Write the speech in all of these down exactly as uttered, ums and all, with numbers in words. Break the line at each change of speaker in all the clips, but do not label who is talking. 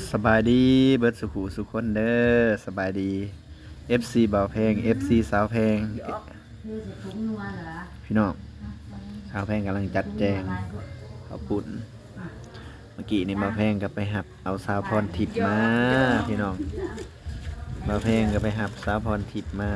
สบายดีเบิดสุขุสุขคนเด้อสบายดี เอฟ ซี บ่าวแพง เอฟ ซี สาวแพงพี่น้องสาวแพงกำลังจัดแจงข้าวปุ่นเมื่อกี้นี่บ่าวแพงก็ไปหับเอาสาวพรทิพย์มาพี่น้องบ่าวแพงก็ไปหับสาวพรทิพย์มา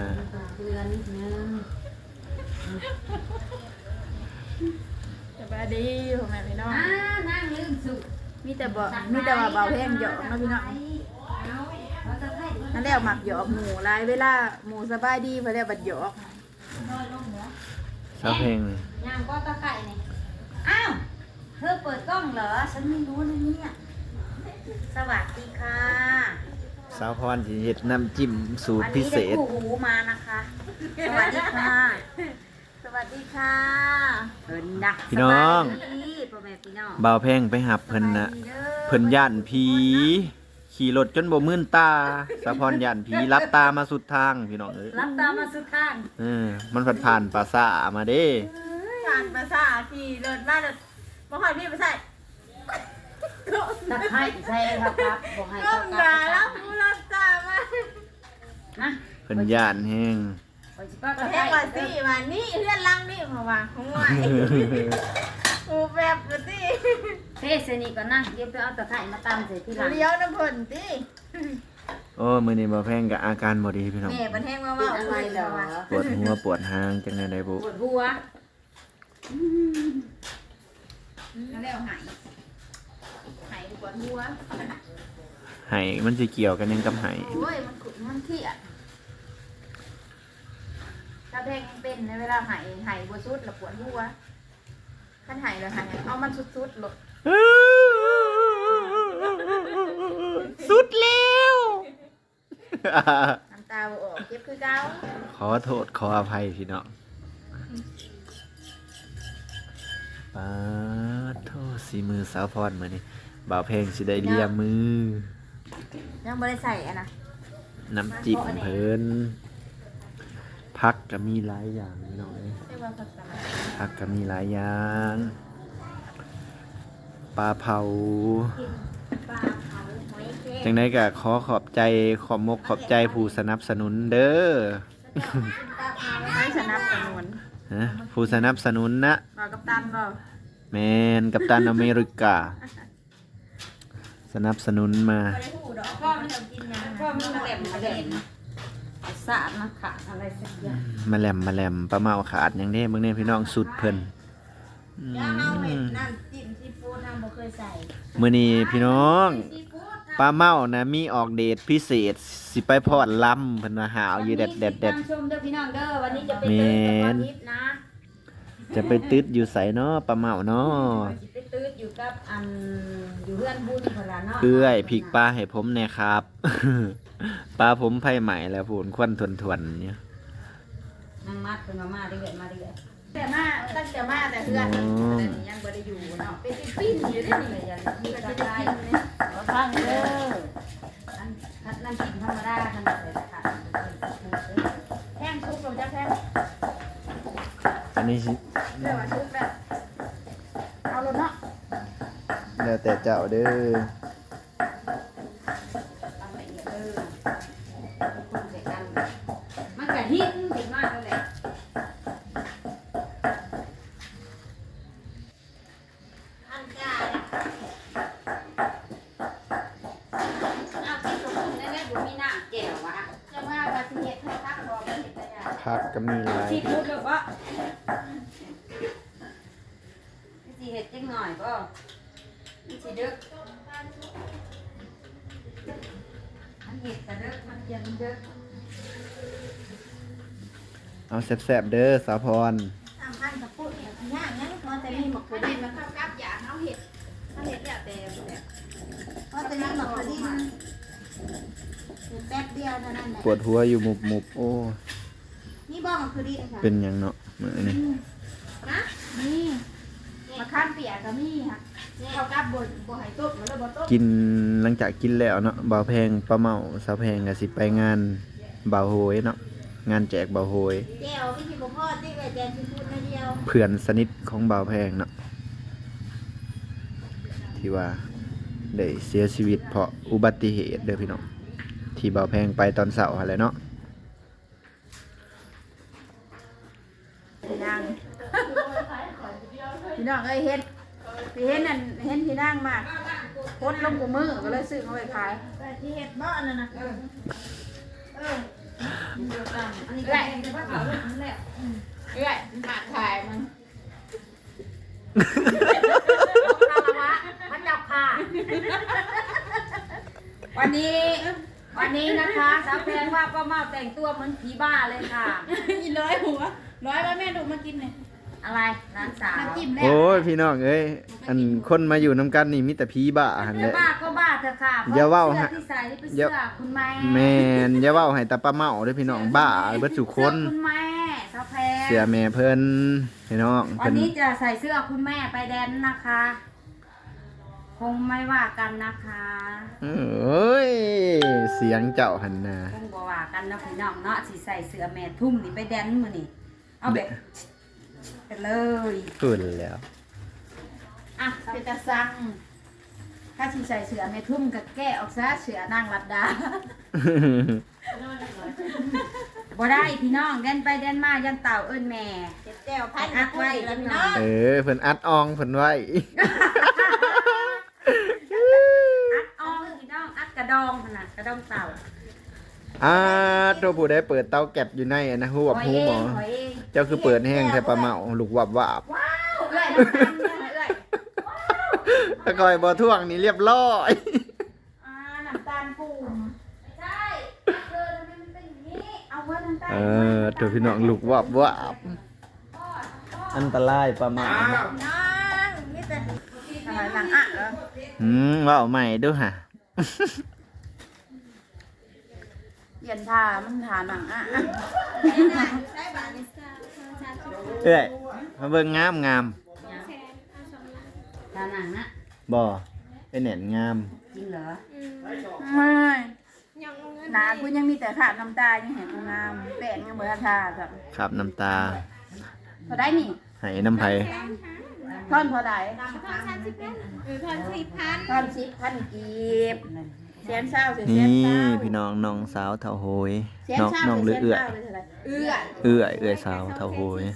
สบายดีพ่อแม่พี่น้อง
อ่านั่งลืมสุ
มีแต่บ่มีแต่ว่าเบาแพงหยอกเนาะพี่น้องนั่นแหละหมักหยอกหมูหลายเวลาหมูสบายดีเพิ่นเรียกบัดหยอก
สาวแพง
ยามก็ตะไคร่นี่อ้าวเธอเปิดกล้องเหรอฉันไม่รู้นะเนี่ยสวัสดีค่ะ
สาวพรสิเฮ็ดน้ำจิ้มสูตร
วัน
พิ
นี้
เศ
ได้
ษ
คู่หูมานะคะ สวัสดีค่ะ
สวัสดีค่ะ
เพิ่นนะ
พี่น้อง
สบายดีพ่อแม่พี่น้อง
บ่าวแพงไปหับเพิ่นน่ะ เพิ่นย่านผีขี่รถจนบ่มื่นตาสะพรย่านผีรับตามาสุดทางพี่น้องเอ้ย
รับตามมาสุดข้าง
เออมันผ่านผ่านปราสาทมาเด้
ผ่านภาษาขี่รถมาแล้วบ่ฮอดพี่บ่ใช่
ตะไคร่ใช่ครับครับบอกให้
ก้
เขา
ม
ก
ด่า
ลั
แล้
บ
วผู้รับตามา
นะ
เพิ่นย่านแห้ง
ไปสิป้า
ป
ตะ
ระเท
ไคร่
ศว่าสิว่านี่เฮือนหลังนี่เพราะว่าของว่ากูแบบก็สิ
เทศนี่ก็นั่งเดี๋ยวไปเอาตะไคร่มาตำใส่ที่หลัง
เลี้ยวน้ำเพิ่นติ
โอ้มื้อนี้บ่แพงกับอาการบ่ดีพี่น้อง
แม่ประเทศว่า
เป็
ว่าน
อะไรเหรอ
ปวดหัวปวดหางจังได๋ได้บ่
ปวดหัว
แล้วหายหายปวดหัว
ไห้มันสิเกี่ยวกันยังกับไห้
โอ้ยมันขุ่นมันเครียดถ้าเพลงเป็นในเวลาหายหายบัวสุดแล้วปวดหัวขันหายแล้วหายเอามันสุดๆหลด
สุดแล้ว
น้ำตาบ่ออกเก็บคือเก่า
ขอโทษขออภัยพี่น้องปาดโทษสีมือสาวพรมื้อนี้บ่าวแพงสิได้เลียมือ
ยังไม่ได้ใส่อะนะ
น้ำจิ้มเพิ่นผักก็มีหลายอย่างพี่น้องเอ้ย
เรียกว่าผักสลัด
ผักก็มีหลายอย่างปลาเผา
ปลาเผาหอยแครง
จังไดก็ขอขอบใจขอบมกขอบใจผู้สนับสนุนเด้อ
ไม่สนับสนุน
ฮะผู้สนับสนุนนะ
บอกกับตันบอก
แมนกัปตันอเมริกา สนับสนุนมา
พ่อไม่ต้องกินนะพ่อไม่มาแหลมมาแหลมสาดมาขาดอะไรสักอย่าง
มาแหลมมาแหลมปลาเมาขาดอย่างนี้เบิ่งเนี่ยพี่น้องสุดเพิ่นอืม
เอาเห็ดน้ำจิ้มซีฟู้ดทำบ่เคยใส่
มื้อนี้พี่น้องปลาเมานะมีออกเดทพิเศษสิไปพอดลำเพิ่นว่าหาวอยู่แดดแดดแดด
ชมเด้อพี่น้องเด้อวันนี้จะไป
แม่
เติม
น
กับทิพย์นะ
จะไปตึดอยู่ไสเนาะปลาเมาเนาะ
จะไปตื้ดอยู่กับอันอยู่เพื่อนบุญคนละเนาะ
เอื้อยพริกปลาให้ผมแหน่ครับ ปลาผมไผใหม่แล้วพูนควันทวนๆเนี่ย
นั่งมัดเป็นมามาเรื่อยมาเรื่อย
แต่มาตั้งแต่มาแต่เพื่อนแต่นี่ยังบ่ได้อยู่เนาะเป็นปิ้นอยู่ได้นี่อย่ามีกระจายเลย
ขอทางเด้ออันอันนั่นกินธรรมดาขนาดเลยค่ะ
แห้งชุบลงจะแห้ง
อันนี้สิ
เรียกว่าชุบแบบเอาลงเนาะ
แล้วแต่เจ้าเด้อ
ตามละเอียดเด้อคนใส่กันมันกะหินถึงมากเลย
อันกา
เอาที่สมบูรณ์ได้ไหมบุมีน้ำแจ่ววะ
จะว่าว่าสิเฮ็ดให้พักบ่เฮ็ดได้ยาก
ผักก็มีหลาย
ที่พูดแบบว่าสิเห็ดจังหน่อยก็มันสิดึกมันเห็ดแต่ดึกมันเย็นดึก
เอาแซ่บๆเด้อสาวพร
ตามพันกับพูดเนี่ยยากงั้นพอแต่มีหมกถั่วดินมาเข้ากับอยากเอาเห็ดเอาเห็ดแล้วแต่แบบพอแต่มีหมกถั่วดินแป๊บเดียวเท่านั้นแหละ
ปวดหัวอยู่หมุบๆโอ้
นี่บอกมันคือดีนะคะ
เป็นหยังเนาะมื้อนี้
นะนี่มะขามเปียกก็มีค่ะเข้ากับบนบ่ให้ต้มแล้วบ่ต้ม
กินหลังจากกินแล้วเนาะบ่าวแพงปลาเมาสาวแพงก็สิไปงานบ่าวโหยเนาะงานแจกบ่าวโหย
แก้วไม่กินบ่พอที่ไว้แจกซีฟู้ดมาเดียว
เพื่อนสนิทของบ่าวแพงเนาะที่ว่าได้เสียชีวิตเพราะอุบัติเหตุเด้อพี่น้องที่เบาแพงไปตอนเสาร์อะไรเนาะ
พี่นางพี่น้องเอ้ยเห็นพี่เห็นนั่นเห็นพี่นางมากโคตรลงกูมือก็เลยซื้อเขาไปขายแต่ที่เห็ดบ่อนนั่นนะเออเอออันนี้ก็เป็นว่าเขาเป็นนั่นแหละเอ้ยหาขายมันคารวะพระเจ้าค่ะวันนี้วันนี้นะคะสาวแพงว่าป้าเมาแต่งตัวเหมือนผีบ้าเลยค่ะอีร้อยหัวร้อยว่าแม่ดูมากินหน่อยอะไรร้านสาวน้ำจิ้มแล้ว
โอ้ยพี่น้องเอ้ยอันคนมาอยู่น้ำกันนี่มีแต่ผีบ้าหันแหละ
บ้าก็บ้าเถอะค่ะ
อย่าเว้าฮะ
เสื้อที่ใส่นี่เป็นเสื้อคุณแม่
แม่นอย่าเว้าให้ตาป้าเมาเด้อพี่น้องบ้าเบิดสุคน
เสื้อคุณแม่สาวแพง
เสียแม่เพิ่นพี่น้อง
วั
เพิ่
น
น
นี้จะใส่เสื้อคุณแม่ไปแดนนะคะ คงไม่ว่ากันนะคะ
เอ้ยเสียงเจ้าหันนา
คงบ่ว่ากันเนาะพี่น้องเนาะสิใส่เสื้อแม่ทุ่มนี่ไปแดนมื้อนี่เอาแบบไปเลย
ขึ้นแล้ว
อ่ะเป็นตาซังถ้าสิใส่เสื้อแม่ทุ่มก็แก้ออกซะเสื้อนางรัดดาบ่ได้พี่น้องแดนไปแดนมายันเต่าเอิ้นแม่
แก้วพันอัดไว้แล้วพี่น้อง
เออเพิ่นอัดอองเพิ่นไว้
อัดอองพี่น้องอัดกระดองขนาดกระดองเต่า
อ่าตัวผู้ใดเปิดเตาแก๊สอยู่ในอะนะฮู้ว่าฮู้หมอ
ขอยเอง
เจ้าคือเปิดแห้งแท้ปลาเมาลูกวับวับ
ว้าวเอ้ยน้ำตาลเนี่ยเอ้ย
ถ้าคอยบ่ท่วงนี่เรียบร้อย
อ่าน้ำตาลปุ่มไม่ใช่เธอทำไมมันเป็นอย่างนี้เอาไว้น้ำตาล
เออตัวพี่น้องลูกวับวับอันตรายปลาเมา
น้องนี่แต่อะไรหลังอ่ะเหรอ
อืมเว้าใหม่ดูฮะ
เย็นทามันทาหนังอ่ะ
เอ้ยมาเบิ่งงามงาม
ทาหนังนะ
บ่เป็นแหน่นงาม
จริงเหรอ
ไม่หนาคุณยังมีแต่ขาดน้ำตายังเห็นกูงามแป้งยังเบอร์ทาแบบ
ครับน้ำตา
พอได้นี่
ให้น้ำไผ
ท่อนพอได้
หรือพันสี่พัน
ท่อนสิบพันกีบเสียนเศร้าเสียน
นี่
เศร้า
พี่น้องน้องสาวเฒ่าโหย
เสียน
น้อง
เศร้า
น้องหรือเอื้อย
เอื้อย
เอื้อยเอื้อยสาวเฒ่าโหย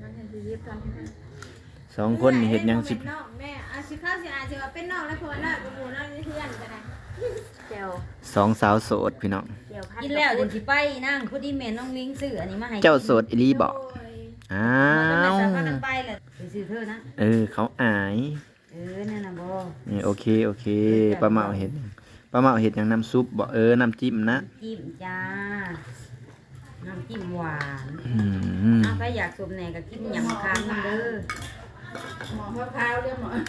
สองคนนี่เฮ็ดหยังสิ
นอกแม่อาชิข้าวสิอาจจะว่าเป็นนอกแล้วเพราะว่าน้อยกับหมูน้อยมีเพื่อนกันนะ
เจียว
สองสาวโสดพี่น้อง
เจียวพัด
กินแล้วเดี๋ยวสิไปนั่งพอดีแม่น้องลิงซื้ออันนี้มาให้
เจ้าโสดอีหลีบ่
โอ้ย
อ้า
มัน
ว
จะพากันไปแหละไปซื้อเธอนะ
เออเขาอาย
เออนั่นน่ะบ่
นี่โอเคโอเคปลาเมาเห็ดปลาเมาเห็ดอย่างน้ำซุปบ่เออน้ำจิ้มนะ
จิ้มจ้าน้ำจิ้มหวาน
อืม
เอาไปอยากสมแหน่ก็กินหยำค้างมันเด้อ
หมอมะพร้าวเรียกหมอ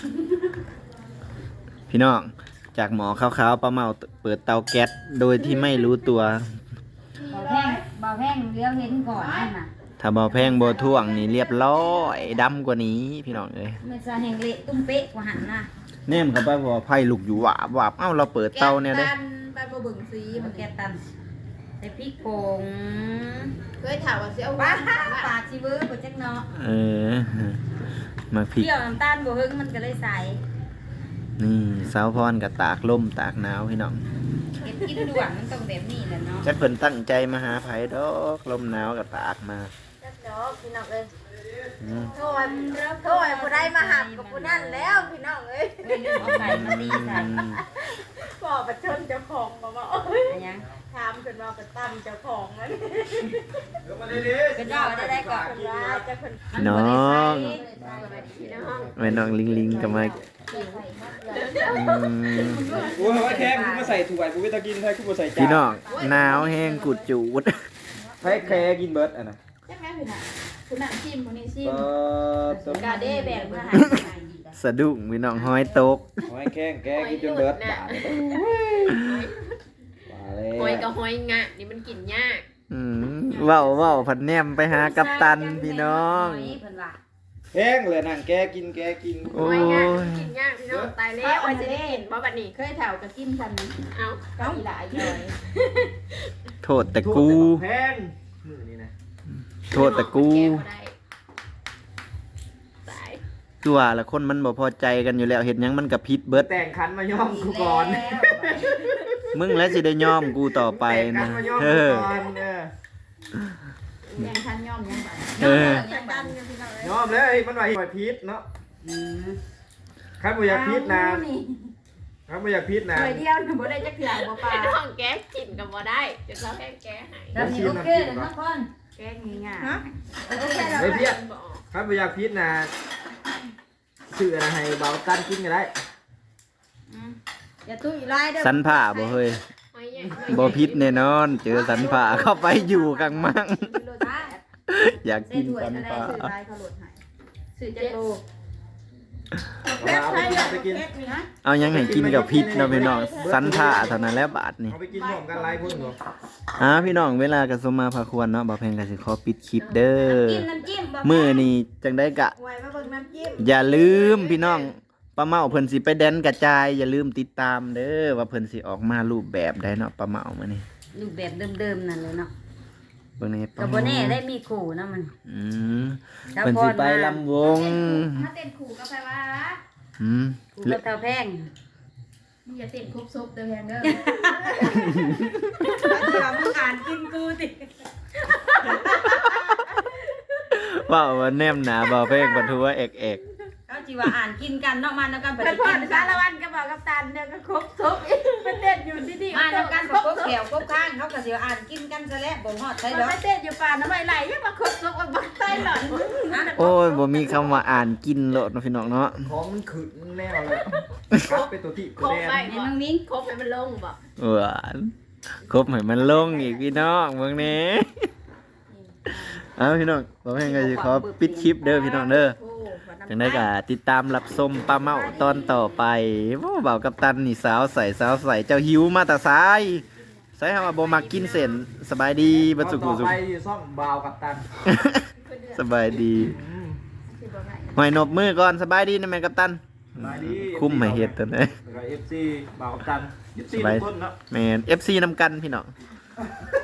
พี่น้องจากหมอขาวๆปลาเมาเปิดเตาแก๊สโดยที่ไม่รู้ตัว
เบาแพงเบาแพงเลี้ยวเห็นก่อนนั่นน่ะ
ถ้าบ่แพงบ่ท่วงนี่เรียบร้อยดำกว่านี้พี่น้องเอ้ย
มันจะแห่งเละตุ้มเป๊ะกว่าหันน่ะ
แนมเข้าไปพอไผ่ลุกอยู่หวาบหวาบเอ้าเราเปิดเตาเนี่ยเด้
แกตันไปบ่เบิ่งสี
ที่
มั
มัน น
แก
แกตันใส่พริกป่ง
เคยถามว่าสิเอา
ว้า
ว้า
ปากชิเวอร์บ่จักเนาะ
เออมาพริก
เกี่ยวน้ำตาลบ่หึงมันก็เลยใส่
นี่สาวพรกับตากลมตากหนาวพี่น้อง
เฮ็ดกินด่วนมันต้องแบบนี้แหละเนาะ
จักเพิ่นตั้งใจมาหาไผดอกลมหนาวกับตากมา
จักดอกพี่น้องเอ้ย
อืม
โทษโทษผู้ใดมาหักกับผู้นั่นแล้วพี่น้องเอ้ย
ไม่ลืมเอาไข่มาตีใส่
บ่ประชนเจ้าของบ่ว่า
อันยัง
ถามเพิ่นว่าเป็นตั้มเจ้าของนั่น
เป็นดอกได้ได้ก่อน
เพิ่นว่าจะเพิ่น
พี่น้องแม่น้องลิงลิงกับมาอืม
โอ้ยว่าแค่กูมาใส่ถั่วกูไม่ต้องกินใช่กูมาใส่จาน
พี่น้องหนาวแห้งกุดจูด
ใช้แค่กินเบิร์ดอ่ะนะ
จักแม่พี่น่ะผู้นั่นชิมผู้นี้ชิม
เปิดสม
กาเด้แบ่งมาให้
สะดุ้งพี่น้องห้อยตก
หอยแข้งแกกินจนเบิร์ดบาดเลยมาเลย
หอยกับหอยงะนี่มันกินยาก
อืมเว้าเว้าพันแนมไปหากัปตันพี่น้อง
เพิ่นว่า
แห้งเลยนั่งแกกินแกกิน
โอ้
หอยงะ
ย
มันกินยากพี่น้องตายแล้วหอยจะได้กินบ่บัดนี้
เคยแถวกับกินกัน
เอา
ก็อีหลายย่อย
โทษแต่กู
แห้งมือนี่นะ
โทษแต่กู
แก้บ่ได้ตาย
คือว่าละคนมันบ่พอใจกันอยู่แล้วเฮ็ดหยังมันก็ผิดเบิด
แต่งคันมาย่อมกูก่อน
มึงแล้วสิได้ยอมกูต่อไป
แต่งคั
นะ
นมาย่อม
เอ
กู
อ
ก่อนเออ
แย่งทันย่อมยังไป
เออ
ยังกันอยู่พี่น้องเอ้ย
ย่อมเลยเอ้ยมันว่าให้พิษเนาะ
อืม
คันบ่อยากพิษนะ
เอานี่
คันบ่อยากพิษนะ
หน่วยเดียวน่ะบ่ได้จักเทื่อบ่ปลา
น้องแก้กินกับบ่ได้จะเราแค่แก้ให้
แล้วนี่โอเคเด้อน้องคน
แกงง่าย
ฮะ
ๆโอเคแล้ว
เฮ้ยเพี้ย
บอก
คันบ่อยากพิษนะซื้ออะไรให้เบาตันกินก็ได้
อย่าตุ้ยลายเด้อ
สันผ้าบ่เฮ้ย
ไม่ใหญ่
บ่ผิดแน่นอน เจอสันผ้าเข้าไปอยู่กลางมัง อยาก
ใส่
กิน
ถ้วย
สัน
จะได้
ผ้า
ซื้อลายเขาโหลดให้ซื้อจักโล
เอาไปกินเอาไปกิน
นะ
เอายังให้กินกับพิษเนาะพี่น้องสันผ้าเท่านั้นแหล้วบาทนี่
เอาไปกินพร้อมกันหลายคนบ่
อ่าพี่น้องเวลาก็สมมาพาควรเนาะบ่าวแพงก็สิขอปิดคลิปเด้อ
กินน้ำจิ้มบ่
มื้อนี้จังได้กะ
ไว้มาเบิ่งน้ำจิ้ม
อย่าลืมพี่น้องป้าเมาเพิ่นสิไปแดนกระจายอย่าลืมติดตามเด้อว่าเพิ่นสิออกมารูปแบบใดเนาะป้าเมามื้อนี้
รูปแบบเดิมๆนั่นเลยเนาะ
เบิ่งใน
ก็บ่แน่ได้มีขู่นะมัน
อืมเพิ่นสิไปลำวง
ถ้าเต้นขู่ก็ไปว่า
อืม
ขู่กับเตาแพง
มึงอย่าเต้นครบซุปเด้อแพงเด้อ
เดี๋ยวมึงอ่านกินกูติ
ว่าว่าแนมหนาบ่าวแพงปะทัวเอกเอก
เขาจิว่าอ่านกินกันเนาะมาแล้วกันไป
เป็น
กิ
พ่อน
กั
สาน รวันก็บอกกับตันเด้อก็ครบซุปอีกมันเต้นอยู่ที่ๆ
มาแล้วกัน
คร
ก็
บ
กบ
ซุป
แขวกบข้างเขาก็สิว่าอ่านกินกันซะแล้วบ่ฮอดใช่
มัน
ดอก
ไม่เต้นอยู่ป่าน้ำไม่ไหลยังมาครบซุปมันบักไส้หลอน
โอ้ยบ่มีคำว่าอ่านกินโลดเนาะพี่น้องเนาะ
ของมันขึ้นแนวเลยกลับไปตัวที่
ค
ตัว
รบ
แด
ไป
น
ไอ้น้องมิ้ง
ครบให้มันลงบอก
หวานครบให้มันลงอีกพี่น้องเบิ่งแหน่เอาพี่น้องบ่าวแพงก็สิขอปิดคลิปเด้อพี่น้องเด้อ จังได้ก็ติดตามรับชมป้าเมาตอนต่อไปว้าวเบากับตันนี่สาวใส่สาวใส่เจ้าหิวมาแต่สายใส่คำว่าบ่มักกินเส้นสบายดีบัดสุ
ต่
กุ
อ
สุ
ไปซ่อมบาวกับตัน
สบายดี
อืม
หอยนบมือก่อนสบายดีนะแม่กัปตัน
สบายดี
คุ้มให้เฮ็ดตัวนี้
แล้วก็ เอฟ ซี บาวกับตัน เอฟ ซี
สบาย
ทุกคนเนาะ
แม่น เอฟ ซี นำกันพี่น้อง